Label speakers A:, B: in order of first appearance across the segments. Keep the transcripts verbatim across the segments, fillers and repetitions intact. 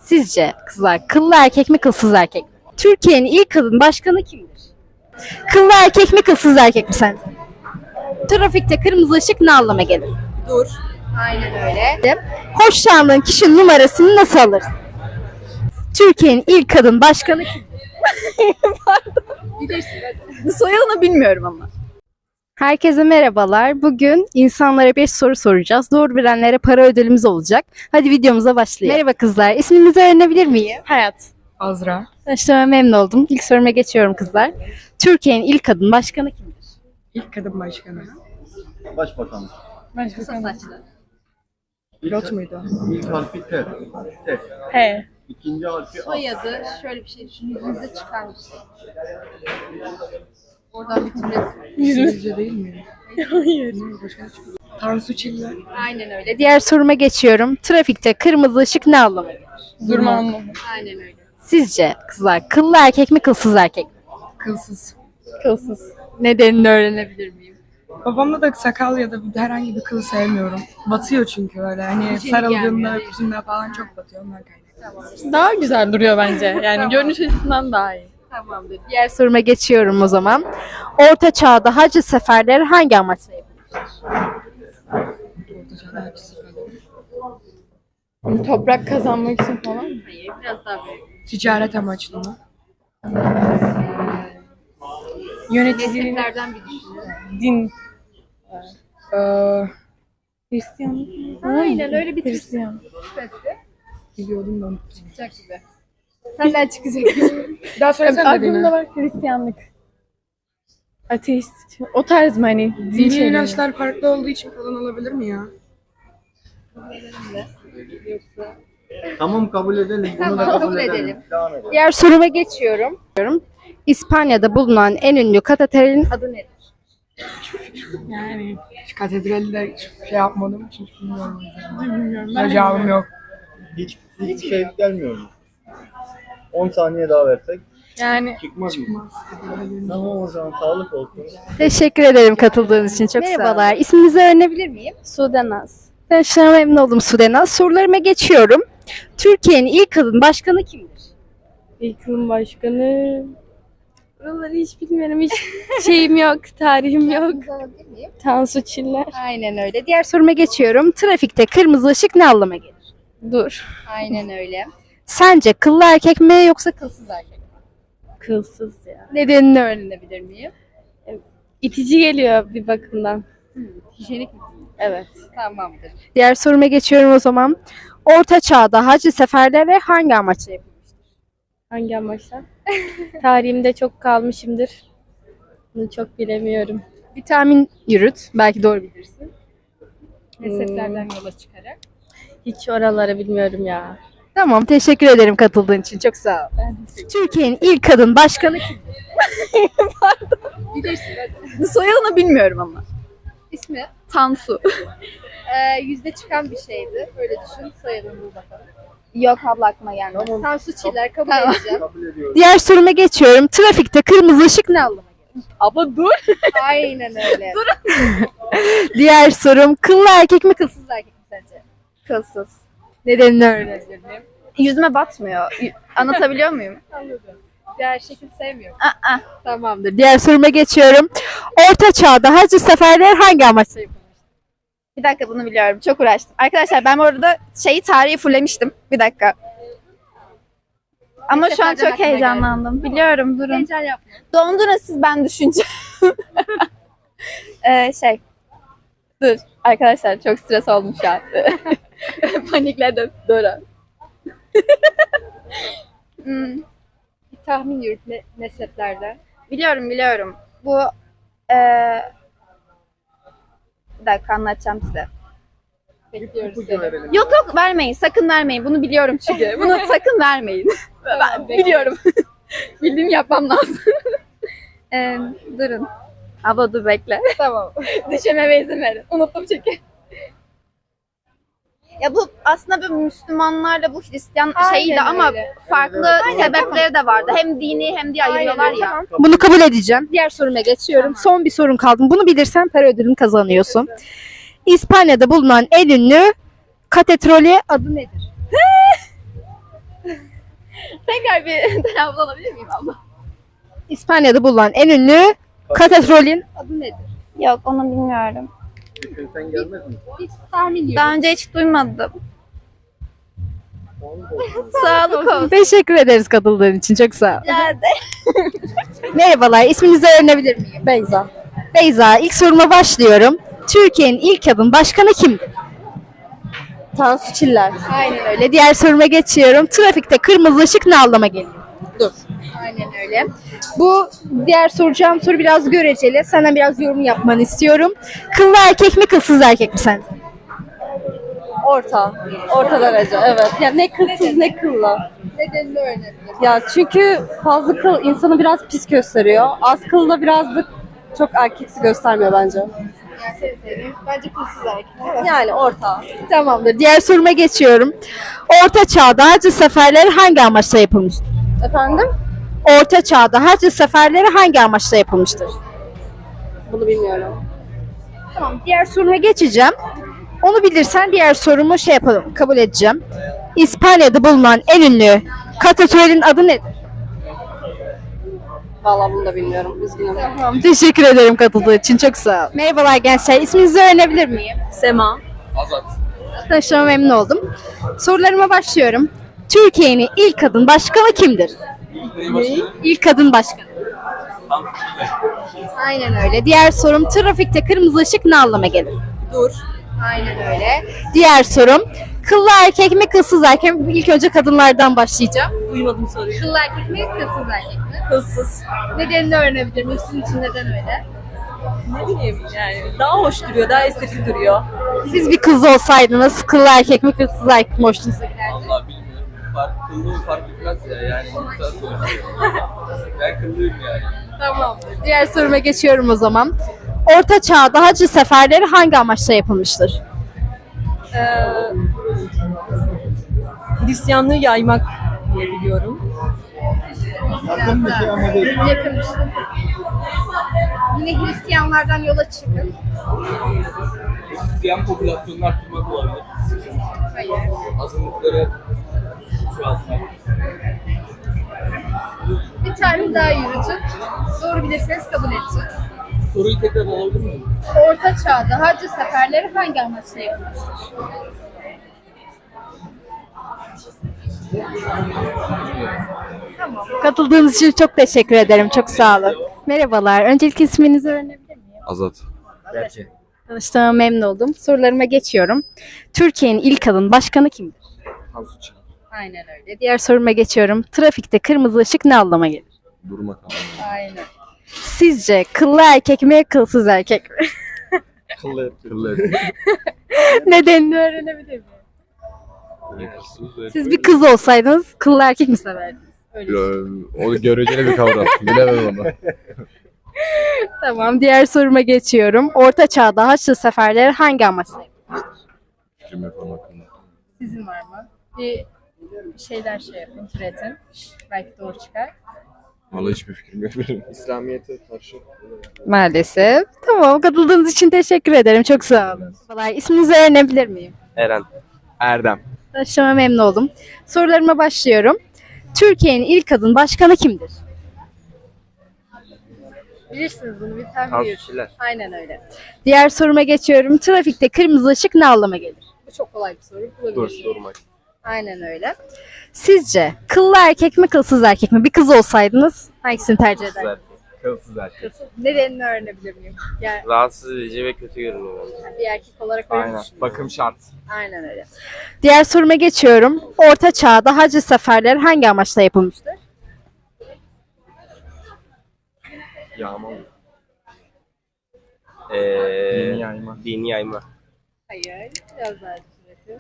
A: Sizce kızlar kıllı erkek mi kılsız erkek mi? Türkiye'nin ilk kadın başkanı kimdir? Kıllı erkek mi kılsız erkek mi sence? Trafikte kırmızı ışık ne anlama gelir?
B: Dur.
A: Aynen öyle. Hoşlandığın kişinin numarasını nasıl alırsın? Türkiye'nin ilk kadın başkanı kimdir?
B: Soyadını bilmiyorum ama.
A: Herkese merhabalar. Bugün insanlara bir soru soracağız. Doğru bilenlere para ödülümüz olacak. Hadi videomuza başlayalım. Merhaba kızlar. İsminizi öğrenebilir miyim?
B: Hayat. Azra.
A: Tanıştığıma memnun oldum. İlk soruma geçiyorum kızlar. Türkiye'nin ilk kadın başkanı kimdir?
B: İlk kadın başkanı.
C: Başbakan.
B: Başbakanı.
A: Saçlı.
B: Pilot muydu?
C: İlk harfi T. T.
B: He.
C: İkinci harfi A.
A: Soyadı şöyle bir şey düşün. Yüzünüze çıkan bir şey. Oradan bir türlü.
B: Yüzümüzce değil mi? Hayır. Tansu Çiller.
A: Aynen öyle. Diğer soruma geçiyorum. Trafikte kırmızı ışık ne anlama gelir?
B: Durma anlamı.
A: Aynen öyle. Sizce kızlar kıllı erkek mi kılsız erkek mi?
B: Kılsız.
A: Kılsız. Nedenini öğrenebilir miyim?
B: Babamda da sakal ya da herhangi bir kıl sevmiyorum. Batıyor çünkü öyle. Hani sarıldığında, yüzünde falan çok batıyor. Ondan kaynaklı.
D: Daha güzel duruyor bence. Yani görünüş açısından daha iyi.
A: Tamamdır. Diğer soruma geçiyorum o zaman. Orta çağda hacı seferleri hangi amaçla yapılmıştır?
D: Toprak kazanmak için falan.
A: Hayır, biraz daha büyük.
B: Ticaret amaçlı mı? Yöneticiliğin
A: Mezheplerden bir düşünün.
D: Din.
B: Eee,
D: Hristiyanlık.
A: Aynen öyle bir
D: Hristiyan.
B: biliyordum da unuttum.
A: çıkacak gibi. Senden çıkacak.
B: Daha söylesene
D: Aklımda
B: dediğini.
D: var Hristiyanlık. Ateist. O tarz mı hani? Din
B: Dini
D: şeyleri.
B: inançlar farklı olduğu için kadın olabilir mi ya?
C: Tamam kabul edelim. Bunu
A: Tamam,
C: da kabul,
A: kabul
C: edelim.
A: edelim.
C: Devam edelim.
A: Diğer soruma geçiyorum. İspanya'da bulunan en ünlü katedralin adı nedir?
D: Yani.
B: Hiç katedralde şey yapmadım için bilmiyorum.
D: Bilmiyorum. Ben de
B: Cevabım yok.
C: Hiç, hiç şey gelmiyor mu? on saniye daha versek
D: Yani
C: çıkmaz mı? Tamam o zaman sağlık olsun.
A: Teşekkür ederim katıldığınız için. Çok merhabalar. İsminizi öğrenebilir miyim?
D: Sudanaz.
A: Ben şuna memnun oldum Sudenaz. Sorularıma geçiyorum. Türkiye'nin ilk kadın başkanı kimdir?
D: İlk yılın başkanı. Buraları hiç bilmiyorum. Hiç şeyim yok. Tarihim yok. Tansu Çiller.
A: Aynen öyle. Diğer soruma geçiyorum. Trafikte kırmızı ışık ne anlama gelir?
D: Dur.
A: Aynen öyle. Sence kıllı erkek mi yoksa kılsız erkek mi?
D: Kılsız ya.
A: Nedenini öğrenebilir miyim?
D: İtici geliyor bir bakımdan.
A: Hijyenik mi?
D: Evet.
A: Tamamdır. Diğer soruma geçiyorum o zaman. Orta çağda hacı seferleri hangi amaçla yapılmıştır?
D: Hangi amaçla? Tarihimde çok kalmışımdır. Bunu çok bilemiyorum.
A: Bir tahmin yürüt. Belki doğru bilirsin. Mezheplerden yola çıkarak.
D: Hiç oraları bilmiyorum ya.
A: Tamam. Teşekkür ederim katıldığın için. Çok sağ ol. Türkiye'nin ilk kadın başkanı kim? Bilirsin hadi.
B: Soyadını bilmiyorum ama.
A: İsmi?
B: Tansu.
A: Ee, yüzde çıkan bir şeydi. Öyle düşün. Soyadını bul bakalım.
B: Yok abla aklıma gelmedi.
A: Tansu Çiller kabul
B: Tamam.
A: edeceğim.
C: Kabul ediyoruz.
A: Diğer soruma geçiyorum. Trafikte kırmızı ışık ne anlama gelir?
B: Abla dur.
A: Aynen öyle. Diğer sorum kıllı erkek mi kılsız erkek mi sence?
B: Kılsız.
A: Nedenini öğrenebilir miyim?
B: Yüzüme batmıyor. Y- Anlatabiliyor muyum?
A: Anladım. Diğer şekil sevmiyorum.
B: Aa.
A: Tamamdır. Diğer soruma geçiyorum. Orta çağda hacı seferleri hangi amaçla yapılmış?
E: Bir dakika bunu biliyorum. Çok uğraştım. Arkadaşlar ben bu arada şeyi tarihi fullemiştim. Bir dakika. Ama şu an
A: Seferden
E: çok
A: aklıma
E: heyecanlandım. Biliyorum durun.
A: Heyecan yapma.
E: Dondurun siz ben düşüneceğim. ee, şey. Dur. Arkadaşlar çok stres oldum şu an. Panikledim. Dora. hmm,
A: Bir tahmin yürüt me- mezheplerden.
E: biliyorum biliyorum. Bu eee bir dakika anlatacağım size.
A: Bekliyoruz
C: İpucu
A: seni.
C: verelim.
E: Yok yok vermeyin. Sakın vermeyin. Bunu biliyorum çünkü. Bunu sakın vermeyin. Ben biliyorum. Bildiğimi yapmam lazım. Ee, durun. Abla dur bekle.
A: Tamam.
E: Düşememe izin verin. Unuttum çünkü. Ya bu aslında bu Müslümanlarla bu Hristiyan şeydi
A: Aynen
E: ama
A: öyle.
E: farklı sebepleri de vardı. Hem dini hem diye ayırıyorlar ya.
A: Tamam. Bunu kabul edeceğim. Diğer soruma geçiyorum. Son bir sorun kaldı. Bunu bilirsen para ödülünü kazanıyorsun. İspanya'da bulunan en ünlü katedrali adı nedir?
E: Tekrar bir telaffuz alabilir miyim abla?
A: İspanya'da bulunan en ünlü katedralin adı nedir?
E: Yok, onu bilmiyorum.
C: Sen gelmez misin?
A: Hiç tahmin yok.
E: Daha önce hiç duymadım. Sağlık olsun.
A: Teşekkür ederiz katıldığın için. Çok sağ ol.
E: Nerede?
A: Merhabalar. İsminizi öğrenebilir miyim? Beyza. Beyza. İlk soruma başlıyorum. Türkiye'nin ilk kadın başkanı kimdir?
D: Tansu Çiller.
A: Aynen öyle. Diğer soruma geçiyorum. Trafikte kırmızı ışık ne anlama geliyor? Dur. Aynen öyle. Bu diğer soracağım soru biraz göreceli. Senden biraz yorum yapmanı istiyorum. Kıllı erkek mi, kılsız erkek mi sence?
D: Orta. Orta derece evet. Ya ne kılsız ne kıllı.
A: Nedenini öğrenelim.
D: Ya çünkü fazla kıl insanı biraz pis gösteriyor. Az kıl da biraz da çok erkeksi göstermiyor bence.
A: Bence kılsız erkek.
D: Yani orta.
A: Tamamdır. Diğer soruma geçiyorum. Orta Çağ'da Hacı seferleri hangi amaçla yapılmıştır?
D: Efendim?
A: Orta Çağ'da Hacı seferleri hangi amaçla yapılmıştır?
D: Bunu bilmiyorum.
A: Tamam. Diğer soruma geçeceğim. Onu bilirsen diğer sorumu şey yapalım, kabul edeceğim. İspanya'da bulunan en ünlü katedralin adı nedir?
D: Vallahi bunu da bilmiyorum. Üzgünüm.
A: Tamam. Teşekkür ederim katıldığı için. Çok sağ ol. Merhabalar gençler. İsminizi öğrenebilir miyim?
D: Sema.
A: Tanıştığıma memnun oldum. Sorularıma başlıyorum. Türkiye'nin ilk kadın başkanı kimdir? İlk kadın başkanı. Aynen öyle. Diğer sorum, trafikte kırmızı ışık ne anlama gelir?
D: Dur.
A: Aynen öyle. Diğer sorum, kıllı erkek mi, kılsız erkek mi? İlk önce kadınlardan başlayacağım.
D: Duymadım soruyu.
A: Kıllı erkek mi, kılsız erkek mi?
D: Kılsız.
A: Nedenini öğrenebilir miyim? Sizin için neden öyle?
D: Ne bileyim yani. Daha hoş duruyor, daha estetik duruyor.
A: Siz bir kız olsaydınız, kıllı erkek mi, kılsız erkek mi hoşunuza giderdi?
F: Vallahi bilmiyorum. Fark, kıllığı fark etmez ya yani. Güzel soru. Ben kıllıyım yani.
A: Tamamdır. Diğer soruma geçiyorum o zaman. Orta Çağ'da Hacı seferleri hangi amaçla yapılmıştır?
D: Ee, Hristiyanlığı yaymak diye biliyorum.
C: Yakın bir şey ama değil.
A: Yakınmış. Yine Hristiyanlardan yola çıkın.
F: Hristiyan popülasyonunu arttırmak olabilir.
A: Hayır.
F: Azınlıkları şu an
A: Bir tane daha yürütün. Doğru bilirseniz kabul edeceğim.
F: soruyu tekrar alabilir miyim?
A: Orta Çağ'da Hacı seferleri hangi amaçla yapılmıştır? Tamam. Katıldığınız için çok teşekkür ederim. Çok sağ olun. Merhabalar. Öncelikle isminizi öğrenebilir miyim?
F: Azat. Belki.
A: Tanıştığıma memnun oldum. Sorularıma geçiyorum. Türkiye'nin ilk kadın başkanı kimdir?
F: Tansu Çağ.
A: Aynen öyle. Diğer soruma geçiyorum. Trafikte kırmızı ışık ne anlama gelir?
F: Durmak anlamında.
A: Aynen. Sizce kıllı erkek mi, kılsız erkek mi?
F: Kıllı. Kıllı.
A: Nedenini öğrenebilir miyim?
F: Yakışsız.
A: Siz bir kız olsaydınız kıllı erkek mi severdiniz? Öyle.
F: O göreceli bir kavram. Bilemem onu.
A: Tamam. Diğer soruma geçiyorum. Orta Çağ'da Haçlı seferleri hangi amaçla yapılmıştır?
F: Fikrim yok onun hakkında.
A: Sizin var mı? Bir şeyler şey yapın, türetin. Belki doğru çıkar.
F: Vallahi hiçbir fikrim yok benim. İslamiyet'e karşı.
A: Maalesef. Tamam. Katıldığınız için teşekkür ederim. Çok sağ olun. Vallahi isminizi öğrenebilir miyim?
F: Eren. Erdem.
A: Tanıştığıma memnun oldum. Sorularıma başlıyorum. Türkiye'nin ilk kadın başkanı kimdir? Bilirsiniz bunu, bir tahmin yürütün.
F: Çiller.
A: Aynen öyle. Diğer soruma geçiyorum. Trafikte kırmızı ışık ne anlama gelir? Bu çok kolay bir soru.
F: Dur,
A: Bulabilirsiniz.
F: durmak.
A: Aynen öyle. Sizce kıllı erkek mi, kılsız erkek mi? Bir kız olsaydınız hangisini tercih ederdiniz?
F: Kılsız erkek.
A: Nedenini öğrenebilir miyim? Yani
F: Rahatsız edici ve kötü görünüyor bence.
A: bir erkek olarak öyle
F: Aynen.
A: düşünüyorum.
F: Bakım şart.
A: Aynen öyle. Diğer soruma geçiyorum. Orta Çağ'da Hacı seferleri hangi amaçla yapılmıştır?
F: Yağma.
G: Ee,
F: Dini yayma.
G: Dini yayma.
A: Hayır. Biraz daha düşünelim.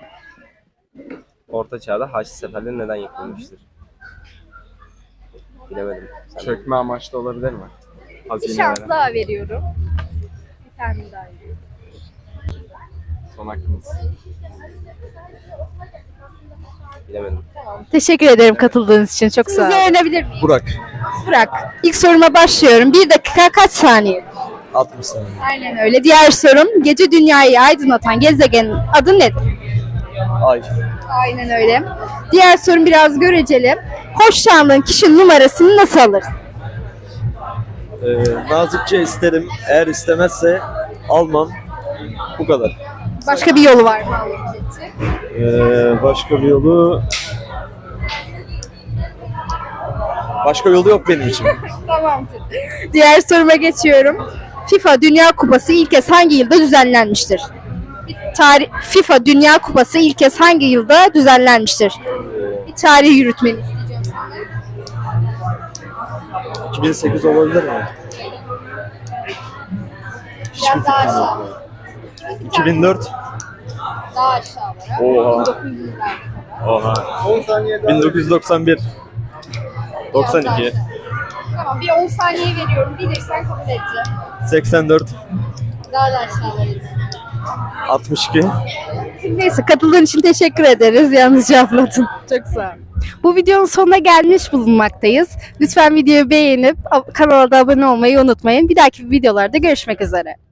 G: Orta Çağ'da Haçlı seferleri neden yapılmıştır? Bilemedim. Sen
F: Çökme amaçlı olabilir mi?
A: Bir
F: Hazine
A: şans
F: veren.
A: daha veriyorum. Bir tane daha veriyorum.
F: Son hakkımız.
G: bilemedim.
A: Teşekkür ederim katıldığınız için. Çok sağ olun. Sizi öğrenebilir miyim?
F: Burak.
A: Burak. İlk soruma başlıyorum. Bir dakika kaç saniye?
F: altmış saniye.
A: Aynen öyle. Diğer sorum. Gece dünyayı aydınlatan gezegenin adı nedir?
F: Ay.
A: Aynen öyle. Diğer sorum biraz göreceli. Hoşlandığın kişinin numarasını nasıl alırsın?
H: Ee, nazikçe isterim. Eğer istemezse almam. Bu kadar.
A: Başka bir yolu var mı almak için?
H: Ee, başka bir yolu... Başka yolu yok benim için.
A: Tamamdır. Diğer soruma geçiyorum. FIFA Dünya Kupası ilk kez hangi yılda düzenlenmiştir? Tarih, FIFA Dünya Kupası ilk kez hangi yılda düzenlenmiştir? Bir tarih yürütmeni isteyeceğim senden.
H: iki bin sekiz olabilir mi? Hiçbir
A: Biraz daha
H: fikrim
A: aşağı.
H: yok. iki bin dört.
A: Daha aşağılara.
H: Oha.
A: bin dokuz yüzlerde.
H: Oha.
C: on saniye daha.
H: bin dokuz yüz doksan bir. doksan iki.
A: Tamam, bir on saniye veriyorum. Bilirsen kabul edeceğim.
H: seksen dört.
A: Daha da aşağılara.
H: altmış iki.
A: Neyse, katıldığın için teşekkür ederiz. Yalnız cevapladın. Çok sağ ol. Bu videonun sonuna gelmiş bulunmaktayız. Lütfen videoyu beğenip kanala da abone olmayı unutmayın. Bir dahaki videolarda görüşmek üzere.